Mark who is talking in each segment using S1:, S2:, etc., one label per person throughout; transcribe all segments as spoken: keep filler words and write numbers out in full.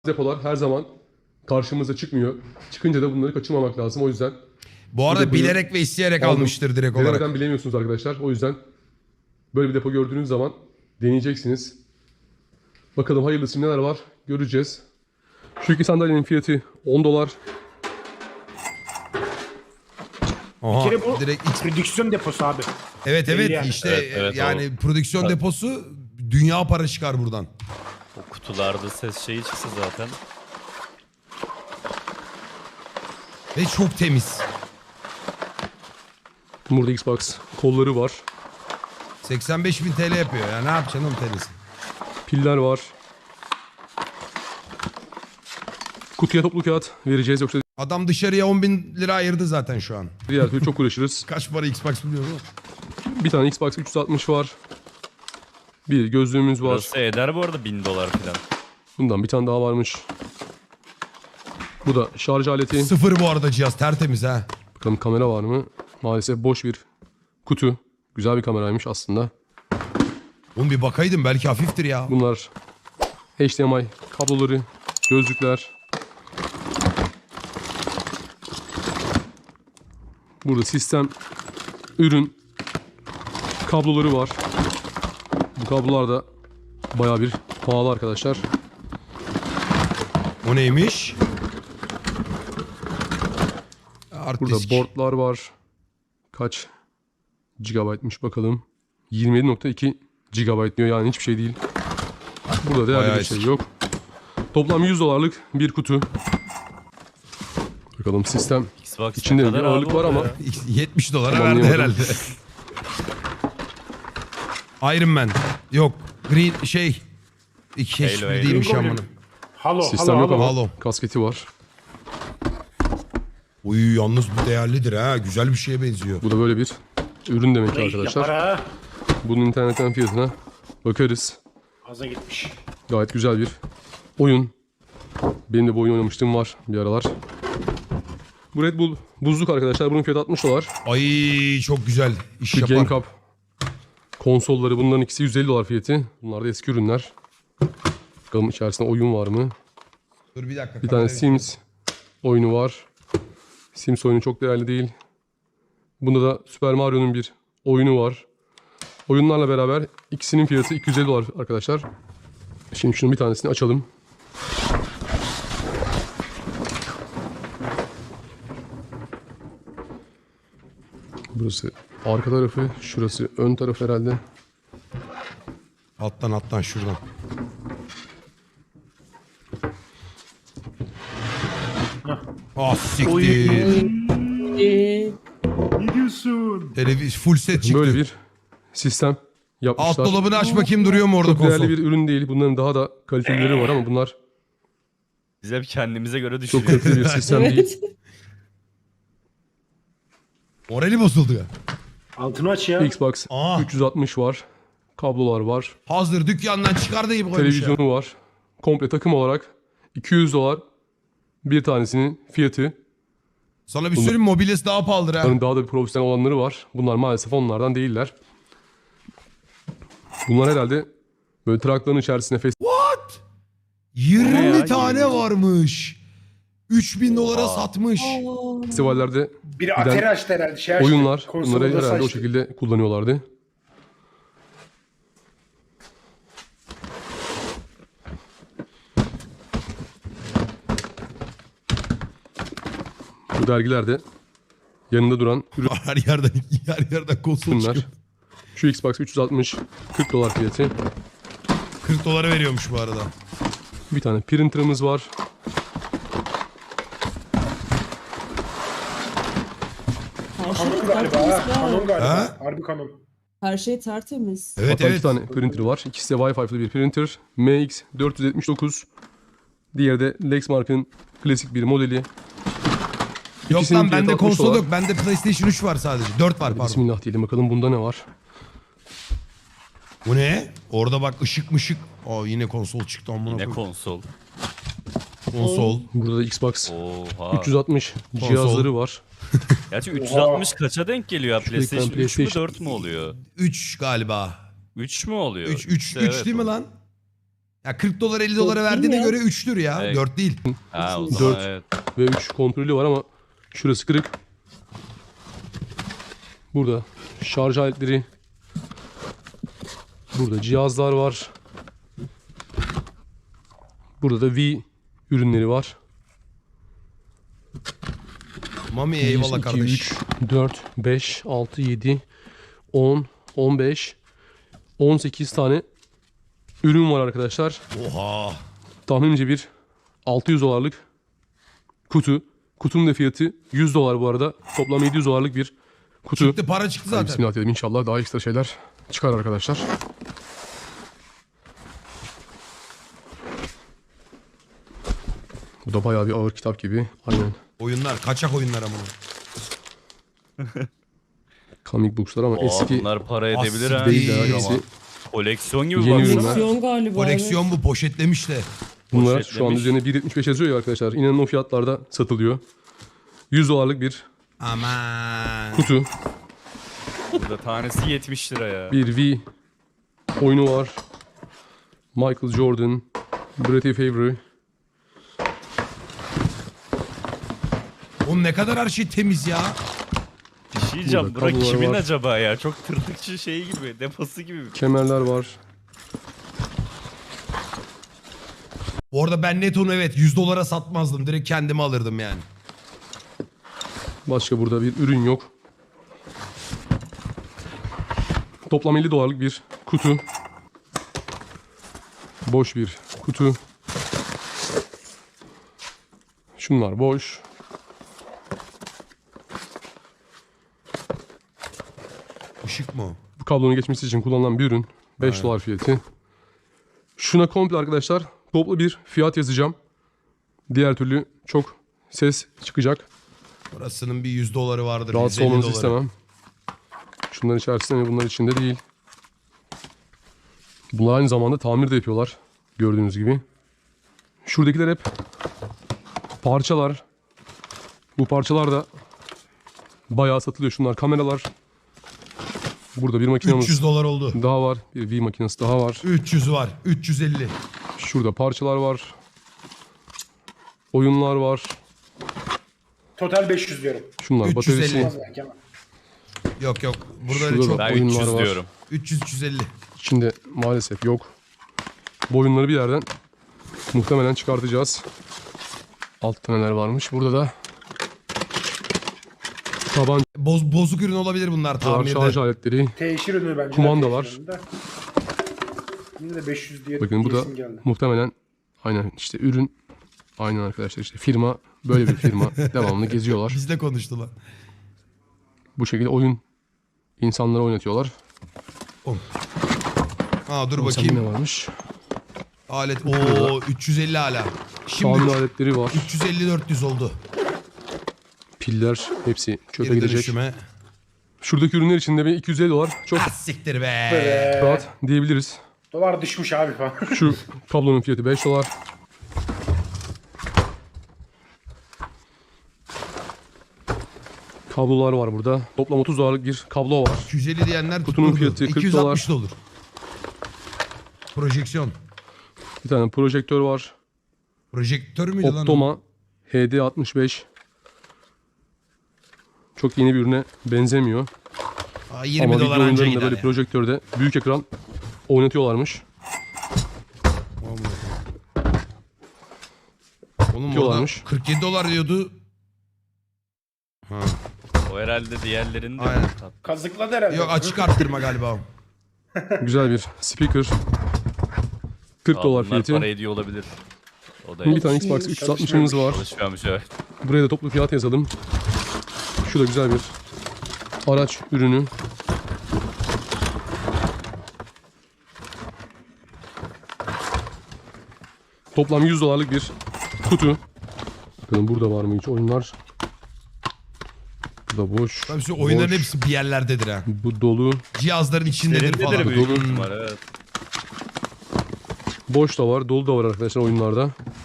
S1: Depolar her zaman karşımıza çıkmıyor. Çıkınca da bunları kaçırmamak lazım. O yüzden
S2: Bu arada
S1: depoyu
S2: bilerek ve isteyerek
S1: aldım.
S2: almıştır direkt olarak.
S1: Denemeden bilemiyorsunuz arkadaşlar. O yüzden böyle bir depo gördüğünüz zaman deneyeceksiniz. Bakalım hayırlısı neler var göreceğiz. Şu iki sandalyenin fiyatı on dolar.
S2: Aha,
S3: Bir kere bu
S2: direkt X-
S3: prodüksiyon deposu abi.
S2: Evet
S3: belli
S2: evet
S3: yani.
S2: işte
S4: Evet, evet,
S2: yani prodüksiyon deposu dünya para çıkar buradan.
S4: O kutularda ses şeyi çıksa zaten.
S2: Ve çok temiz.
S1: Burada Xbox kolları var.
S2: seksen beş bin T L yapıyor ya, ne yapacaksın oğlum temiz.
S1: Piller var. Kutuya toplu kağıt vereceğiz yoksa
S2: Adam dışarıya on bin lira ayırdı zaten şu an.
S1: diğer türlü çok uğraşırız.
S2: Kaç para Xbox biliyor musun?
S1: Bir tane Xbox üç yüz altmış var. Bir gözlüğümüz var.
S4: Burası eder bu arada bin dolar falan.
S1: Bundan bir tane daha varmış. Bu da şarj aleti.
S2: Sıfır bu arada cihaz, tertemiz ha.
S1: Bakalım kamera var mı? Maalesef boş bir kutu. Güzel bir kameraymış aslında.
S2: Oğlum bir bakaydım, belki hafiftir ya.
S1: Bunlar H D M I kabloları, gözlükler. Burada sistem, ürün, kabloları var. Bu kablolar da bayağı bir pahalı arkadaşlar.
S2: O neymiş? Hard
S1: Burada
S2: disk.
S1: boardlar var. Kaç gigabaytmış bakalım. yirmi yedi nokta iki gigabayt diyor, yani hiçbir şey değil. Burada değerli
S2: Bayağı
S1: bir şey
S2: eski.
S1: yok. Toplam yüz dolarlık bir kutu. Bakalım sistem.
S4: Xbox
S1: İçinde
S4: ne
S1: bir
S4: kadar
S1: ağırlık
S4: abi
S1: var
S4: o
S1: ama
S4: ya?
S2: yetmiş dolara
S1: Tam
S2: verdi
S1: anlayamadım.
S2: herhalde. Iron Man. Yok. Green şey. İki
S4: Halo,
S2: hiçbiri
S4: Halo.
S2: değilmiş
S3: Green
S2: amına.
S3: Goblin. Halo,
S1: sistem
S3: halo,
S1: yok
S3: halo.
S1: ama
S2: Halo.
S1: kasketi var.
S2: Uy yalnız bu değerlidir ha. Güzel bir şeye benziyor.
S1: Bu da böyle bir ürün demek ki
S3: Ne
S1: arkadaşlar.
S3: yapar ha?
S1: Bunun internetten fiyatına bakarız.
S3: Aza gitmiş.
S1: Gayet güzel bir oyun. Benim de bu oyun oynamıştım var bir aralar. Bu Red Bull buzluk arkadaşlar. Bunun fiyatı altmış dolar.
S2: Ay çok güzel. İş
S1: Şu
S2: yapar.
S1: Game Cup konsolları, bunların ikisi yüz elli dolar fiyatı. Bunlar da eski ürünler. Bakalım içerisinde oyun var mı?
S2: Dur bir dakika.
S1: Bir tane
S2: kamerayı-
S1: Sims oyunu var. Sims oyunu çok değerli değil. Bunda da Super Mario'nun bir oyunu var. Oyunlarla beraber ikisinin fiyatı iki yüz elli dolar arkadaşlar. Şimdi şunun bir tanesini açalım. Burası arka tarafı, şurası ön taraf herhalde.
S2: Alttan alttan şuradan. Ah siktir.
S3: Ne diyorsun?
S2: Televiz full set çıktı.
S1: Böyle bir sistem yapmışlar.
S2: Alt dolabını aç bakayım, duruyor mu orada
S1: Çok
S2: konsol?
S1: değerli bir ürün değil. Bunların daha da kalitelileri var ama bunlar
S4: Biz hep kendimize göre
S1: çok
S4: düşünüyoruz.
S1: kaliteli bir sistem değil.
S5: Evet.
S2: Morali bozuldu ya.
S3: Altını aç ya.
S1: Xbox
S2: Aa.
S1: üç yüz altmış var. Kablolar var.
S2: Hazır dükkandan çıkardığı gibi koymuş ya.
S1: Televizyonu var. Komple takım olarak iki yüz dolar bir tanesinin fiyatı.
S2: Sana bir söyleyeyim, mobilyası daha pahalıdır ha.
S1: Bunların daha da bir profesyonel olanları var. Bunlar maalesef onlardan değiller. Bunlar herhalde böyle trakların içerisine
S2: What?
S4: Ne
S2: yirmi
S4: ya?
S2: tane varmış. üç bin dolara satmış.
S1: festivallerde
S3: Biri Atari açtı herhalde. Şey açtı.
S1: oyunlar,
S3: Konsol
S1: bunları
S3: odası
S1: herhalde o
S3: açtı.
S1: şekilde kullanıyorlardı. Bu dergilerde yanında duran
S2: Her yerden her yerden konsol
S1: ürünler.
S2: çıkıyor.
S1: Şu Xbox üç yüz altmış kırk dolar fiyatı.
S2: kırk dolara veriyormuş bu arada.
S1: Bir tane printer'ımız var.
S5: Her
S3: Kanon
S5: şey
S3: galiba
S5: tertemiz
S3: ha. Kanon
S5: ya.
S3: galiba.
S2: Ha?
S3: Harbi kanon.
S5: Her şey tertemiz.
S2: Evet
S1: Hatta
S2: evet.
S1: iki tane printer var. İkisi de Wi-Fi'li bir printer. M X dört yüz yetmiş dokuz. Diğeri de Lexmark'ın klasik bir modeli.
S2: Yok
S1: İkisinin
S2: lan
S1: fiyatı
S2: bende
S1: altmış
S2: konsol
S1: dolar.
S2: yok. Bende PlayStation üç var sadece. dört var pardon.
S1: Bismillah diyelim bakalım bunda ne var.
S2: Bu ne? Orada bak ışık mışık. Aa yine konsol çıktı amına
S4: Ne
S2: koyayım.
S4: konsol.
S2: Konsol.
S1: Burada da Xbox
S4: Oha.
S1: üç yüz altmış cihazları var.
S4: Gerçi üç yüz altmış kaça denk geliyor ya?
S1: Şu ekran
S4: PlayStation üç mü
S1: PlayStation-
S4: dört mü oluyor?
S2: üç galiba.
S4: üç mü oluyor?
S2: üç üç
S4: İşte
S2: üç
S4: evet
S2: değil mi
S4: o.
S2: lan? Ya kırk dolar elli dolara
S5: Dört
S2: verdiğine
S5: değil mi?
S2: göre üçtür ya.
S4: Evet.
S2: dört değil.
S4: Ha o zaman
S1: Dört.
S4: evet.
S1: Ve üç kontrolü var ama şurası kırık. Burada şarj aletleri. Burada cihazlar var. Burada da V ürünleri var.
S2: Mami
S1: bir,
S2: eyvallah
S1: iki,
S2: kardeş.
S1: üç, dört, beş, altı, yedi, on, on beş, on sekiz tane ürün var arkadaşlar.
S2: Oha.
S1: Tahminimce bir altı yüz dolarlık kutu. Kutunun da fiyatı yüz dolar bu arada. Toplam yedi yüz dolarlık bir kutu.
S2: Çıktı para çıktı
S1: Hadi
S2: zaten.
S1: bismillah diyelim, inşallah daha ekstra şeyler çıkar arkadaşlar. Bu da bayağı bir ağır kitap gibi. Aynen.
S2: Oyunlar kaçak oyunlar ama.
S1: Comic books'lar ama
S4: Aa,
S1: eski
S4: bunlar para edebilir
S2: Asil
S4: ha.
S1: değil ya.
S4: Ama
S1: Hepsi
S4: koleksiyon gibi
S1: Yeni
S4: baksana.
S1: ürünler.
S5: Koleksiyon galiba.
S2: Koleksiyon bu poşetlemiş de.
S1: bunlar şu an
S4: poşetlemiş.
S1: üzerine bir yetmiş beş yazıyor ya arkadaşlar. İnanın o fiyatlarda satılıyor. yüz dolarlık bir
S2: Aman.
S1: kutu.
S4: Burada tanesi yetmiş lira ya.
S1: Bir V oyunu var. Michael Jordan, Brett Favre.
S2: Oğlum ne kadar her şey temiz ya.
S4: Bir şey diyeceğim.
S1: Burada
S4: Bura
S1: kablolar
S4: kimin
S1: var.
S4: acaba ya? Çok tırtıkçı şey gibi. Deposu gibi.
S1: Kemerler var.
S2: Orada ben net onu evet yüz dolara satmazdım. Direkt kendime alırdım yani.
S1: Başka burada bir ürün yok. Toplam elli dolarlık bir kutu. Boş bir kutu. Şunlar boş.
S2: Işık mı o?
S1: Bu kablonun geçmesi için kullanılan bir ürün. beş dolar fiyatı. Şuna komple arkadaşlar toplu bir fiyat yazacağım. Diğer türlü çok ses çıkacak.
S2: Burasının bir yüz doları vardır.
S1: Rahatsız
S2: yüz elli
S1: olmanızı
S2: doları.
S1: istemem. Şunların içerisinde ve bunlar içinde değil. Bunlar aynı zamanda tamir de yapıyorlar. Gördüğünüz gibi. Şuradakiler hep parçalar. Bu parçalar da bayağı satılıyor. Şunlar kameralar. Burada bir makinamız
S2: üç yüz dolar oldu.
S1: daha var. Bir V makinesi daha var.
S2: üç yüz var. üç yüz elli.
S1: Şurada parçalar var. Oyunlar var.
S3: Total beş yüz diyorum.
S1: Şunlar
S2: üç yüz elli.
S1: bataryası.
S3: Az belki ama.
S2: Yok yok. Burada öyle
S1: Şurada
S2: çok.
S1: da
S4: Ben
S1: oyunlar
S4: üç yüz
S1: var.
S4: diyorum.
S2: üç yüz üç yüz elli.
S1: İçinde maalesef yok. Bu oyunları bir yerden muhtemelen çıkartacağız. Altta neler varmış. Burada da tabanca
S2: Boz, bozuk ürün olabilir bunlar
S1: var,
S2: tamirde.
S1: şarj aletleri.
S3: Teşhir ürünü bence.
S1: Kumanda
S3: Teşhir
S1: var.
S3: ürünü de. Yine de beş yüz diye
S1: Bakın bu da
S3: diyesim geldi.
S1: muhtemelen aynen işte ürün. Aynen arkadaşlar işte firma böyle bir firma. Devamlı geziyorlar.
S2: Bizle konuştular.
S1: Bu şekilde oyun insanlara oynatıyorlar.
S2: Aa dur
S1: Bakalım ne
S2: bakayım.
S1: varmış.
S2: Alet. Oo üç yüz elli hala. Şimdi
S1: Tamir aletleri var.
S2: üç yüz elli dört yüz oldu.
S1: Piller hepsi çöpe
S2: Geri
S1: gidecek.
S2: dönüşüme.
S1: Şuradaki ürünler içinde bir iki yüz elli dolar çok
S2: Ah siktir be.
S3: Ee,
S1: rahat diyebiliriz.
S3: dolar düşmüş abi falan.
S1: Şu kablonun fiyatı beş dolar. Kablolar var burada. Toplam otuz dolarlık bir kablo var.
S2: iki yüz elli diyenler
S1: Kutunun
S2: tutturdu.
S1: fiyatı kırk
S2: iki yüz altmış da olur. Projeksiyon.
S1: Bir tane projektör var.
S2: Projektör müydü lan o?
S1: Optoma H D altmış beş. Çok yeni bir ürüne benzemiyor.
S2: Aa, yirmi
S1: Ama video
S2: dolar anca
S1: oyunlarında
S2: gider
S1: böyle
S2: ya.
S1: projektörde büyük ekran oynatıyorlarmış.
S2: Oğlum orada
S1: Diyorlarmış.
S2: kırk yedi dolar diyordu. Ha.
S4: O herhalde diğerlerinin de.
S2: Aynen.
S3: Kazıkladı herhalde.
S2: Yok açık arttırma galiba o.
S1: Güzel bir speaker. kırk
S4: Aa,
S1: dolar
S4: bunlar
S1: fiyatı.
S4: para ediyor olabilir. O da
S1: Bir tane Xbox üç yüz altmışımız var.
S4: çalışıyormuş evet.
S1: Buraya da toplu fiyat yazalım. Şu da güzel bir araç ürünü. Toplam yüz dolarlık bir kutu. Bakalım burada var mı hiç oyunlar? Bu da boş.
S2: Tabii şu oyunların
S1: boş.
S2: hepsi bir yerlerdedir ha.
S1: Bu dolu.
S2: Cihazların içindedir
S4: Derindedir
S2: falan.
S4: büyük
S1: Dolu.
S4: ihtimal evet.
S1: Boş da var, dolu da var arkadaşlar oyunlarda.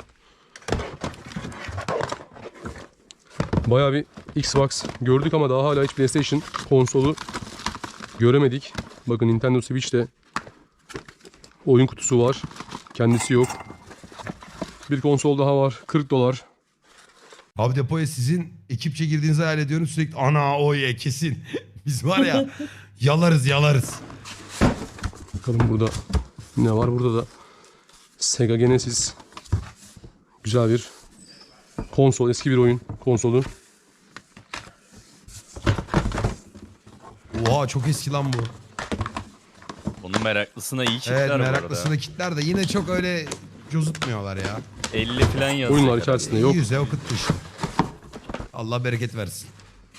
S1: Bayağı bir Xbox gördük ama daha hala hiç PlayStation konsolu göremedik. Bakın Nintendo Switch'te oyun kutusu var. Kendisi yok. Bir konsol daha var. kırk dolar.
S2: Abi depoya sizin ekipçe girdiğinizi hayal ediyorum. Sürekli ana o ye kesin. Biz var ya yalarız yalarız.
S1: Bakalım burada ne var? Burada da Sega Genesis. Güzel bir konsol. Eski bir oyun konsolu.
S2: Oha çok eski lan bu.
S4: Onun meraklısına iyi kitler
S2: Evet
S4: bu arada.
S2: meraklısına kitler de yine çok öyle cozutmuyorlar ya.
S4: elli falan yazıyor.
S1: Oyunlar
S4: herhalde.
S1: içerisinde yok.
S2: Yüze okuttu işte. Allah bereket versin.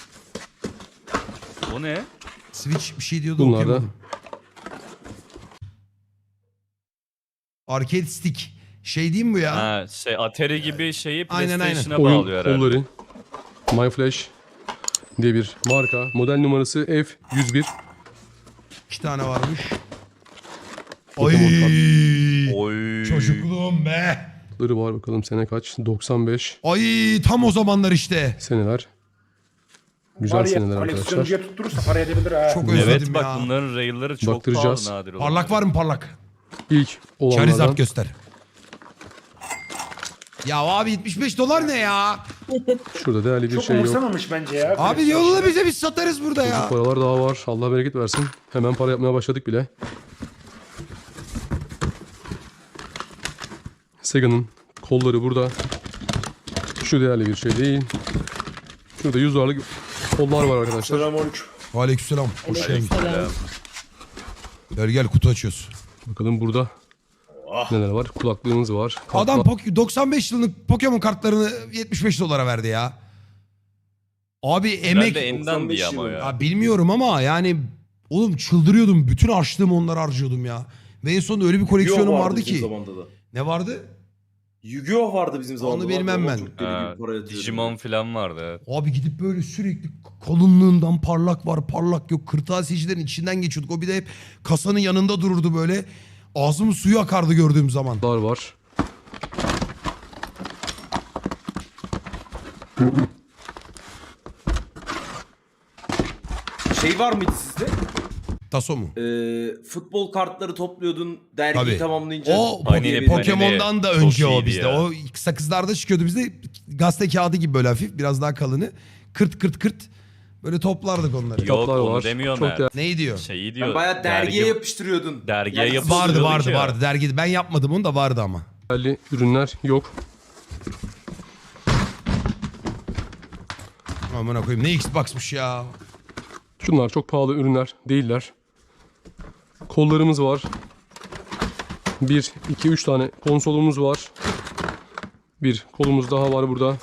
S4: O ne?
S2: Switch bir şey diyordu
S1: Bunlar da
S2: okuyamadım. Arcade stick. Şey diyeyim bu ya.
S4: Ha şey Atari gibi şeyi
S2: Aynen, aynen.
S4: PlayStation'a
S1: oyun
S4: bağlıyor herhalde.
S1: kolları. MyFlash diye bir marka. Model numarası F yüz bir.
S2: İki tane varmış.
S1: Pokemon
S2: Ay.
S4: Oy.
S2: Çocukluğum be.
S1: Ları var bakalım sene kaç? doksan beş
S2: Ay tam o zamanlar işte.
S1: seneler. Güzel
S3: Var ya,
S1: seneler arkadaşlar.
S3: koleksiyoncuya tutturursa para edebilir ha.
S2: Çok
S4: Evet
S2: özledim
S4: bak
S2: ya.
S4: bunların rayları çok
S1: Baktıracağız.
S4: pahalı nadir olur.
S2: Parlak var mı parlak?
S1: İlk olanlardan.
S2: Charizard göster. Ya abi yetmiş beş dolar ne ya?
S1: Şurada değerli bir
S3: Çok
S1: şey yok.
S3: umursamamış bence ya.
S2: Abi
S3: koleksiyon
S2: yolla
S3: işini.
S2: bize biz satarız burada ya.
S1: Paralar daha var. Allah bereket versin. Hemen para yapmaya başladık bile. Sega'nın kolları burada. Şu değerli bir şey değil. Şurada yüz dolarlık kollar var arkadaşlar.
S3: Selamünaleyküm.
S2: Aleykümselam. Hoş geldin.
S5: Selam.
S2: Gel gel kutu açıyoruz.
S1: Bakalım burada neler var. Kulaklığımız var. Kartlar-
S2: Adam Pok- doksan beş yıllık Pokemon kartlarını yetmiş beş dolara verdi ya. Abi emek...
S4: Herhalde Endan diye ama ya.
S2: Ya bilmiyorum ama yani oğlum çıldırıyordum. Bütün harçlığımı onlara harcıyordum ya. Ve en sonunda öyle bir koleksiyonum
S6: Yu-Gi-Oh
S2: vardı
S6: bizim
S2: ki.
S6: zamanda da.
S2: Ne vardı?
S6: Yu-Gi-Oh vardı bizim zamanında.
S2: Onu bilmem
S6: Ama
S2: ben.
S6: çok deli
S4: Ha,
S6: gibi para yatırıyordum.
S4: Digimon falan vardı. Evet.
S2: Abi gidip böyle sürekli kalınlığından parlak var parlak yok. Kırtasiyecilerin içinden geçiyorduk. O bir de hep kasanın yanında dururdu böyle. Ağzımın suyu akardı gördüğüm zaman.
S1: var.
S6: Şey var mıydı sizde?
S2: Taso mu?
S6: Ee, futbol kartları topluyordun dergiyi
S2: Tabii.
S6: tamamlayınca.
S2: O
S4: Panini,
S2: Po-
S4: Panini.
S2: Pokemon'dan da
S4: Çok
S2: önce o
S4: iyiydi
S2: bizde.
S4: ya.
S2: O sakızlarda çıkıyordu bizde. Gazete kağıdı gibi böyle hafif biraz daha kalını. Kırt kırt kırt. Böyle toplardık onları.
S4: Yok
S1: Kitaplar
S4: onu
S1: var.
S4: demiyorum
S1: Çok
S4: ben.
S1: değerli.
S2: Neyi diyor?
S4: Şeyi diyor.
S6: Ben bayağı dergiye
S4: dergi-
S6: yapıştırıyordun.
S4: Dergiye
S6: Yani
S4: yapıştırıyorduk
S2: Vardı
S4: Yapıştırıyorduk
S2: vardı
S4: ya.
S2: vardı dergide. Ben yapmadım onu da vardı ama.
S1: Değerli ürünler yok.
S2: Amına koyayım ne Xbox'mış ya.
S1: Şunlar çok pahalı ürünler değiller. Kollarımız var. Bir, iki, üç tane konsolumuz var. Bir kolumuz daha var burada.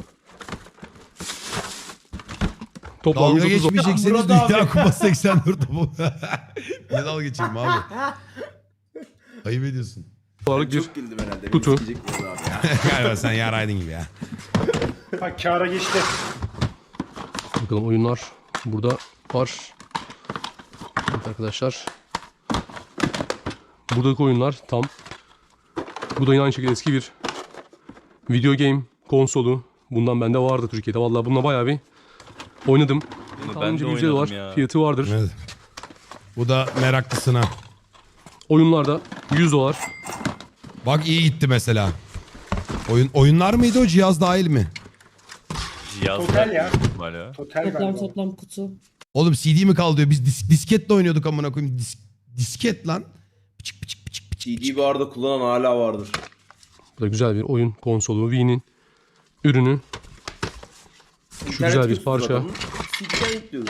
S1: Toplam
S2: Dalga
S1: yüz otuz
S2: geçmeyecekseniz
S6: Murat
S2: Dünya
S6: abi.
S2: Kupası seksen dört topu. Ne dalga geçeyim abi? Ayıp ediyorsun.
S1: dolarlık bir
S6: Çok güldüm herhalde.
S1: Kutu.
S6: Beni sikecek Murat abi ya.
S2: Galiba sen yaraydın gibi ya.
S3: Ha kâra geçti.
S1: bakalım oyunlar burada var. Evet arkadaşlar. Buradaki oyunlar tam. Bu da yine aynı şekilde eski bir video game konsolu. Bundan bende vardı Türkiye'de. Vallahi bununla bayağı bir oynadım.
S4: Bunu ben
S1: Tahminimce
S4: de
S1: bir yüz dolar
S4: oynadım ya.
S1: fiyatı vardır.
S2: Evet. Bu da meraklısına.
S1: Oyunlarda yüz dolar.
S2: Bak iyi gitti mesela. Oyun oyunlar mıydı o cihaz dahil mi?
S4: Cihazlar
S3: Total ya.
S4: büyük ihtimal ya.
S3: Total
S5: Toplam
S3: galiba.
S5: toplam kutu.
S2: Oğlum C D mi kaldı diyor. Biz dis- disketle oynuyorduk amına koyayım. Dis- disket lan. Pıçık pıçık pıçık pıçık.
S6: C D'yi bu arada kullanan hala vardır.
S1: Bu da güzel bir oyun konsolu. Wii'nin ürünü. Şu
S6: İnternet
S1: güzel bir
S6: yüklüyorsun
S1: parça.
S6: adamın, C D'den yüklüyordu.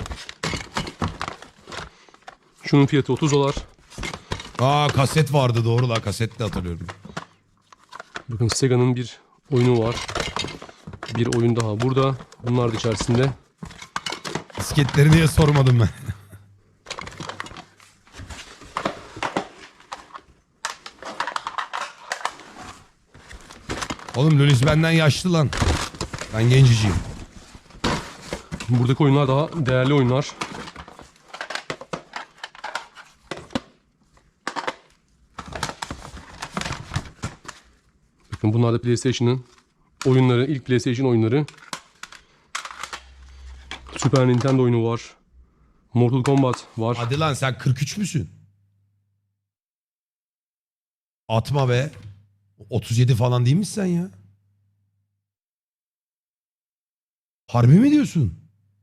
S1: Şunun fiyatı otuz dolar.
S2: Aa kaset vardı doğru la kaset de hatırlıyorum.
S1: Bakın Sega'nın bir oyunu var. Bir oyun daha burada. Bunlar da içerisinde.
S2: Disketleri niye sormadım ben. Oğlum Lulis benden yaşlı lan. Ben genciciyim.
S1: Buradaki oyunlar daha değerli oyunlar. Bakın bunlar da PlayStation'ın oyunları. İlk PlayStation oyunları. Super Nintendo oyunu var. Mortal Kombat var.
S2: Hadi lan sen kırk üç müsün? Atma be. otuz yedi falan değil misin sen ya? Harbi mi diyorsun?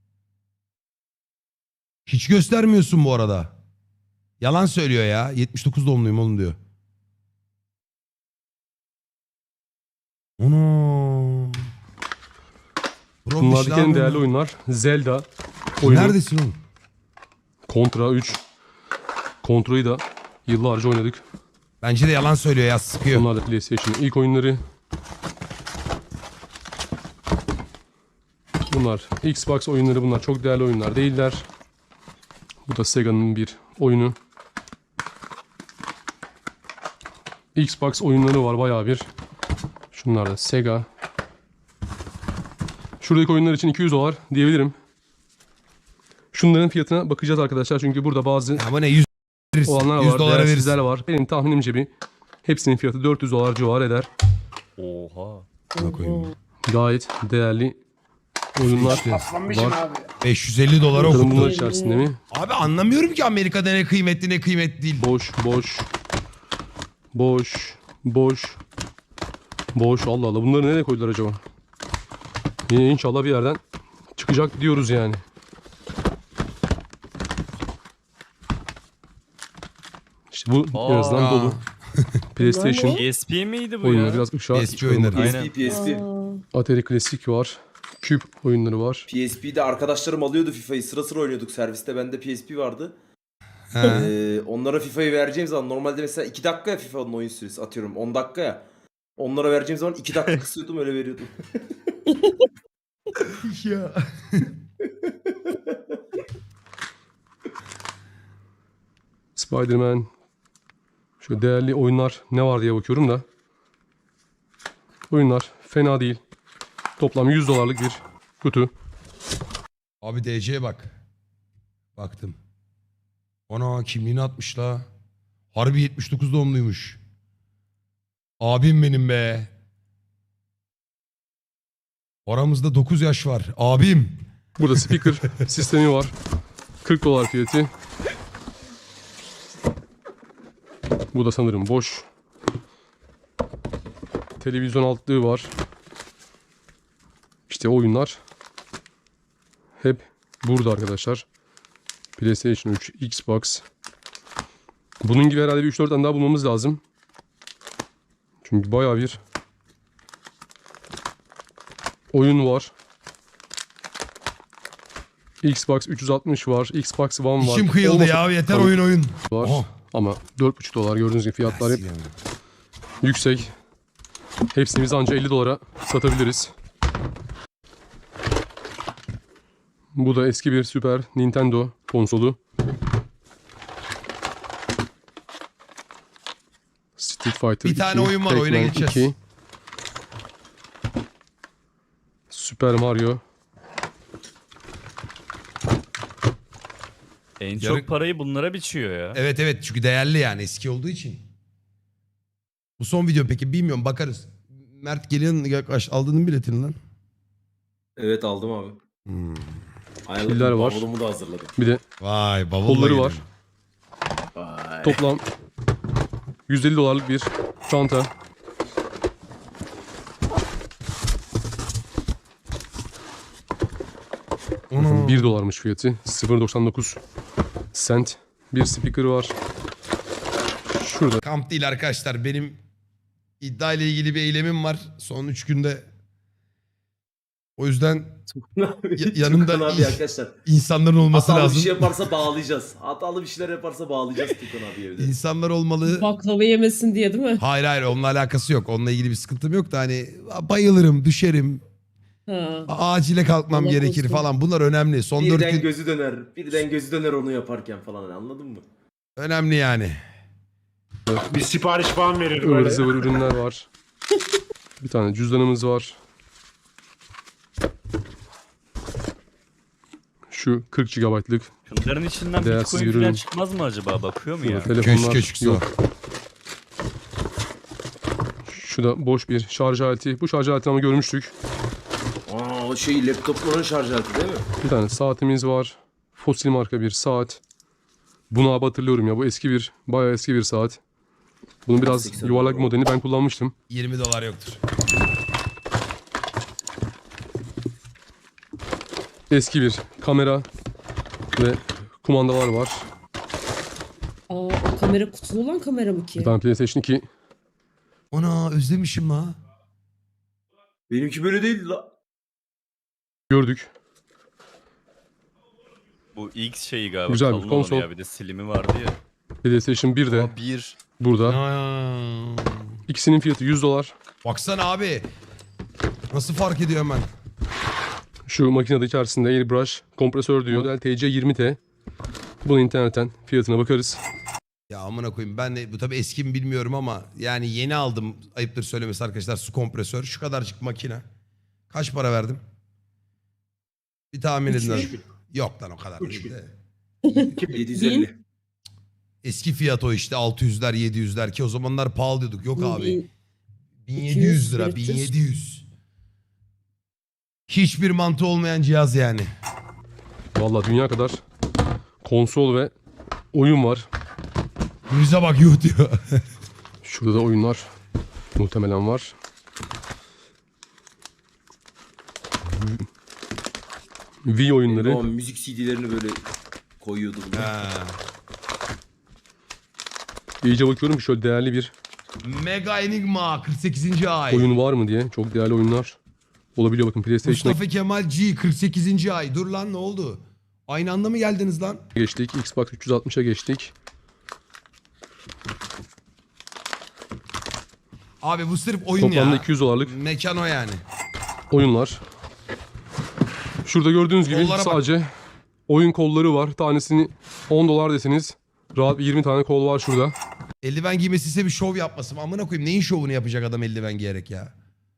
S2: Hiç göstermiyorsun bu arada. Yalan söylüyor ya. yetmiş dokuz doğumluyum oğlum diyor. Ono.
S1: Bunlardaki en değerli oyunlar Zelda oyunu,
S2: Neredesin oğlum?
S1: Contra üç. Contra'yı da yıllarca oynadık.
S2: Bence de yalan söylüyor ya, sıkıyor.
S1: Bunlar da PlayStation'ın ilk oyunları. Bunlar Xbox oyunları, bunlar çok değerli oyunlar değiller. Bu da Sega'nın bir oyunu. Xbox oyunları var bayağı bir. Şunlar da Sega. Şuradaki oyunlar için iki yüz dolar diyebilirim. Şunların fiyatına bakacağız arkadaşlar çünkü burada bazı
S2: Ama ne yüz veririz.
S1: olanlar
S2: yüz
S1: var,
S2: dolara veririz.
S1: değersizler var. Benim tahminimce bir hepsinin fiyatı dört yüz dolar civarı eder.
S4: Oha.
S2: Buna koyayım.
S1: Gayet değerli oyunlar
S2: İşte.
S3: Aslanmışım
S1: var.
S3: abi.
S2: beş yüz elli dolara
S1: Bakalım
S2: okuttu.
S1: bunlar içerisinde mi?
S2: Abi anlamıyorum ki Amerika'da ne kıymetli ne kıymetli değil.
S1: Boş, boş. Boş, boş. Boş, Allah Allah. Bunları nereye koydular acaba? Yine inşallah bir yerden çıkacak diyoruz yani. İşte bu en azından
S4: Aa.
S1: dolu. PlayStation
S4: P S P miydi bu
S1: oyunları
S4: ya?
S1: biraz ışığa.
S2: P S P oyunları.
S6: P S
S4: Aynen.
S6: P, P S P.
S5: Aa,
S1: Atari Klasik var. Küp oyunları var.
S6: P S P'de arkadaşlarım alıyordu FIFA'yı. Sıra sıra oynuyorduk serviste. Bende P S P vardı.
S2: He.
S6: Ee, onlara FIFA'yı vereceğim zaman normalde mesela iki dakika ya FIFA'nın oyun süresi, atıyorum on dakika ya. Onlara vereceğim zaman iki dakika kısıyordum, öyle veriyordum.
S2: Ya.
S1: Spider-Man. Şöyle değerli oyunlar ne var diye bakıyorum da. Oyunlar fena değil. Toplam yüz dolarlık bir kutu.
S2: Abi D C'ye bak. Baktım. Ana kimliğini atmış la. Harbi yetmiş dokuz doğumluymuş. Abim benim be. Aramızda dokuz yaş var. Abim.
S1: Burada speaker sistemi var. kırk dolar fiyatı. Bu da sanırım boş. Televizyon altlığı var. İşte oyunlar hep burada arkadaşlar. PlayStation üç, Xbox. Bunun gibi herhalde bir üç dört tane daha bulmamız lazım. Çünkü bayağı bir oyun var. Xbox üç yüz altmış var. Xbox One var.
S2: İçim kıyıldı
S1: Olmasa
S2: ya, yeter
S1: Tamam.
S2: oyun oyun.
S1: var.
S2: Aha.
S1: Ama dört buçuk dolar gördüğünüz gibi fiyatlar hep yüksek. Hepsini biz anca elli dolara satabiliriz. Bu da eski bir Super Nintendo konsolu. Street Fighter
S2: Bir tane
S1: iki,
S2: oyun var, oyuna
S1: Pac-Man
S2: geçeceğiz.
S1: iki, Super Mario.
S4: En
S2: Yarı-
S4: çok parayı bunlara biçiyor ya.
S2: Evet evet, çünkü değerli yani, eski olduğu için. Bu son video peki, bilmiyorum, bakarız. Mert gelin yaklaş, aldın mı biletini lan?
S6: Evet, aldım abi.
S2: Hmm.
S6: Ayarladım,
S1: Piller var.
S6: bavulumu da hazırladım.
S1: Bir de
S2: Vay bavulla
S1: kolları
S2: geliyor.
S1: var.
S6: Vay.
S1: Toplam yüz elli dolarlık bir çanta.
S2: Ana.
S1: bir dolarmış fiyatı. sıfır virgül doksan dokuz cent. Bir speaker var. Şurada
S2: Kamp değil arkadaşlar, benim iddia ile ilgili bir eylemim var son üç günde. O yüzden ya- yanımda
S6: Tukan abi arkadaşlar.
S2: insanların olması
S6: Hatalı
S2: lazım.
S6: bir şey yaparsa bağlayacağız. Hatalı bir şeyler yaparsa bağlayacağız Tukan abi evde.
S2: İnsanlar olmalı.
S5: baklava yemesin diye değil mi?
S2: Hayır hayır, onunla alakası yok. Onunla ilgili bir sıkıntım yok da hani bayılırım, düşerim,
S5: Ha.
S2: acile kalkmam
S5: Allah
S2: gerekir
S5: korusun.
S2: falan. Bunlar önemli. Son dört
S6: Birden
S2: gün
S6: gözü döner. Birden gözü döner onu yaparken falan, hani anladın mı?
S2: önemli yani.
S3: Bir sipariş falan verir
S1: ıvır
S3: böyle.
S1: zıvır ürünler var. Bir tane cüzdanımız var. Şu kırk gigabaytlık
S4: Şunların içinden
S1: Değersiz
S4: Bitcoin
S1: ürün.
S4: falan çıkmaz mı acaba? Bakıyor mu ya?
S1: telefonlar
S2: Köşke çıksa.
S1: yok. Şu da boş bir şarj aleti. Bu şarj aletini ama görmüştük.
S6: Aa, o şey laptopların şarj aleti değil mi?
S1: Bir tane saatimiz var. Fosil marka bir saat. Bunu abi hatırlıyorum ya. Bu eski bir, bayağı eski bir saat. Bunun biraz
S6: seksen
S1: yuvarlak
S6: dolar.
S1: bir modelini ben kullanmıştım.
S2: yirmi dolar yoktur.
S1: Eski bir kamera ve kumandalar var.
S5: Aa, o kamera kutulu olan kamera mı ki?
S1: Bir tane PlayStation iki.
S2: Ana özlemişim la.
S6: Benimki böyle değil la.
S1: Gördük.
S4: Bu X şeyi galiba
S1: Güzel bir
S4: kalın olanı
S1: konsol.
S4: ya. Bir de slimi vardı ya.
S1: PlayStation bir de
S4: Aa, bir.
S1: burada.
S2: Aa.
S1: İkisinin fiyatı yüz dolar.
S2: Baksana abi. Nasıl fark ediyor hemen?
S1: Şu makinede içerisinde airbrush kompresör diyor. Model T C yirmi T. Bunu internetten fiyatına bakarız.
S2: Ya amına koyayım ben de bu tabii eski mi bilmiyorum ama yani yeni aldım ayıptır söylemesi arkadaşlar su kompresör. Şu kadarcık makine. Kaç para verdim? Bir tahmin edin.
S5: Üç
S2: hadi. Yok lan o kadar
S3: Üç
S2: değil
S3: bin.
S2: de.
S6: yedi yüz elli.
S2: Eski fiyat o işte altı yüzler yedi yüzler ki o zamanlar pahalı diyorduk. Yok abi.
S5: Bin-
S2: bin yedi yüz lira
S5: üç yüz.
S2: bin yedi yüz. Hiçbir mantığı olmayan cihaz yani.
S1: Vallahi dünya kadar konsol ve oyun var.
S2: Yüze bak yuh diyor.
S1: Şurada da oyunlar muhtemelen var. Wii oyunları.
S6: Ama müzik C D'lerini böyle koyuyordu bunu.
S2: Ha.
S1: İyice bakıyorum ki şöyle değerli bir
S2: Mega Enigma kırk sekizinci ay.
S1: oyun var mı diye. Çok değerli oyunlar olabiliyor. Bakın PlayStation'a
S2: Mustafa Kemal G kırk sekizinci ay. Dur lan ne oldu? Aynı anda mı geldiniz lan?
S1: geçtik. Xbox üç yüz altmışa geçtik.
S2: Abi bu sırf oyun
S1: Toplamda
S2: ya.
S1: iki yüz dolarlık
S2: Mekan o yani.
S1: oyunlar. Şurada gördüğünüz gibi
S2: Kollara bak.
S1: sadece oyun kolları var. Tanesini on dolar deseniz rahat bir yirmi tane kol var şurada.
S2: Eldiven giymesi ise bir şov yapmasın. Amına koyayım neyin şovunu yapacak adam eldiven giyerek ya?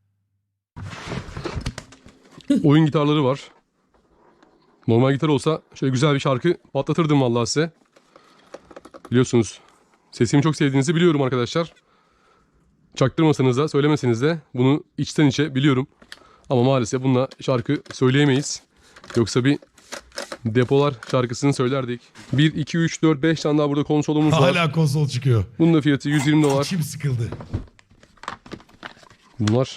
S1: Oyun gitarları var. Normal gitar olsa şöyle güzel bir şarkı patlatırdım vallahi size. Biliyorsunuz sesimi çok sevdiğinizi biliyorum arkadaşlar. Çaktırmasanız da söylemeseniz de bunu içten içe biliyorum. Ama maalesef bununla şarkı söyleyemeyiz. Yoksa bir depolar şarkısını söylerdik. bir, iki, üç, dört, beş tane daha burada konsolumuz var.
S2: Hala konsol çıkıyor.
S1: Bunun da fiyatı yüz yirmi dolar.
S2: İçim sıkıldı.
S1: Bunlar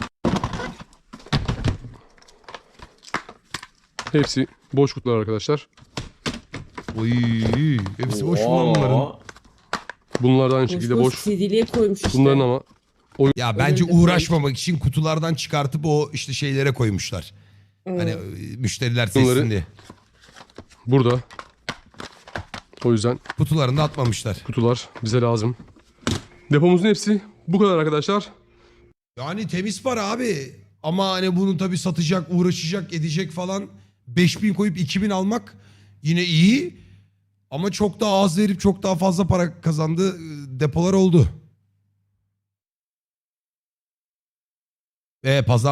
S1: hepsi boş kutular arkadaşlar.
S2: Oy, hepsi boş mu lan bunların?
S6: Aa,
S1: Bunlar da aynı
S5: Boş
S1: şekilde
S5: boş
S1: boş.
S5: C D'liye koymuş işte.
S1: Bunların ama
S2: Ya bence
S5: Öyle de
S2: uğraşmamak için kutulardan çıkartıp o işte şeylere koymuşlar. Hani e, müşteriler
S1: Bunları-
S2: seçsin diye.
S1: burada. O yüzden
S2: Kutularını da atmamışlar.
S1: kutular bize lazım. Depomuzun hepsi bu kadar arkadaşlar.
S2: Yani temiz para abi. Ama hani bunu tabii satacak, uğraşacak, edecek falan. beş bin koyup iki bin almak yine iyi. Ama çok daha az verip çok daha fazla para kazandığı e, depolar oldu. E pazar